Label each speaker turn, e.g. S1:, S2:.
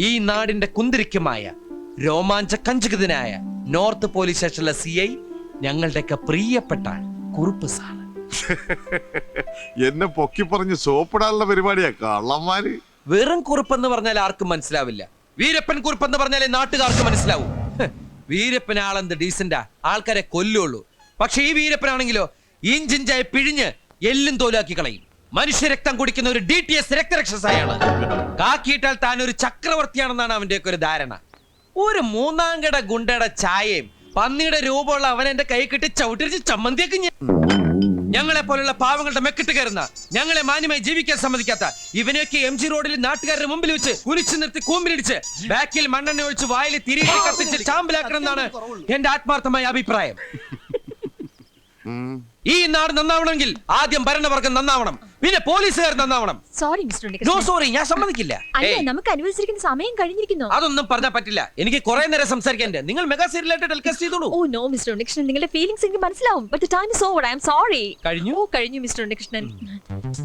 S1: ഈ നാടിന്റെ കുന്തിരിക്കുമായ രോമാഞ്ച കഞ്ചുകിതനായ നോർത്ത് പോലീസ് സ്റ്റേഷനിലെ CI ഞങ്ങളുടെയൊക്കെ പ്രിയപ്പെട്ട കുറുപ്പ് സാർ.
S2: എന്നെ പൊക്കി പറഞ്ഞ് സോപ്പിടാനുള്ള പരിപാടിയാ കള്ളന്മാര്.
S1: വെറും കുറുപ്പെന്ന് പറഞ്ഞാൽ ആർക്കും മനസ്സിലാവില്ല. വീരപ്പൻ കുറുപ്പെന്ന് പറഞ്ഞാലേ നാട്ടുകാർക്ക് മനസ്സിലാവൂ. വീരപ്പൻ ആളെന്ത് ഡീസന്റാ, ആൾക്കാരെ കൊല്ലുള്ളൂ. പക്ഷെ ഈ വീരപ്പനാണെങ്കിലോ ഇഞ്ചിഞ്ചായി പിഴിഞ്ഞ് എല്ലും തോലാക്കി കളയും. മനുഷ്യരക്തം കുടിക്കുന്ന ഒരു DTS രക്തരക്ഷസായാണ്. കാക്കിയിട്ടാൽ താൻ ഒരു ചക്രവർത്തിയാണെന്നാണ് അവന്റെയൊക്കെ ഒരു ധാരണ. ഒരു മൂന്നാംകട ഗുണ്ടയുടെ ചായയും പന്നിയുടെ രൂപമുള്ള അവൻ എന്റെ കൈ കിട്ടി ചവിട്ടിരിച്ച് ചമ്മന്തിയൊക്കെ ഞങ്ങളെ പോലുള്ള പാവങ്ങളുടെ മെക്കിട്ട് കയറുന്ന, ഞങ്ങളെ മാന്യമായി ജീവിക്കാൻ സമ്മതിക്കാത്ത ഇവനെയൊക്കെ MG റോഡിൽ നാട്ടുകാരുടെ മുമ്പിൽ വെച്ച് കുനിച്ചു നിർത്തി കൂമ്പിലിടിച്ച് ബാക്കിൽ മണ്ണെണ്ണ ഒഴിച്ച് വായിൽ തിരികെ കത്തിച്ച് ചാമ്പലാക്കണം എന്നാണ് എന്റെ ആത്മാർത്ഥമായ അഭിപ്രായം. ഈ നാട് നന്നാവണമെങ്കിൽ ആദ്യം ഭരണവർഗം നന്നാവണം, പിന്നെ പോലീസുകാർ നന്നാവണം.
S3: സോറി മിസ്റ്റർ
S1: നോ സോറി, ഞാൻ സമ്മതിക്കില്ല.
S3: നമുക്ക് അനുവദിച്ചിരിക്കുന്ന സമയം കഴിഞ്ഞിരിക്കുന്നു.
S1: അതൊന്നും പറഞ്ഞാൽ പറ്റില്ല. എനിക്ക് കുറെ നേരം സംസാരിക്കാൻ. നിങ്ങൾ മെഗാ സീരിയലായിട്ട് ടെലികാസ്റ്റ് ചെയ്തോളൂ.
S3: ഓ നോ മിസ്റ്റർ ഉണ്ണികൃഷ്ണൻ, നിങ്ങളുടെ ഫീലിംഗ്സ് എനിക്ക് മനസ്സിലാവും. But the time is over. I am sorry.
S1: കഴിഞ്ഞു
S3: കഴിഞ്ഞു മിസ്റ്റർ ഉണ്ണികൃഷ്ണൻ.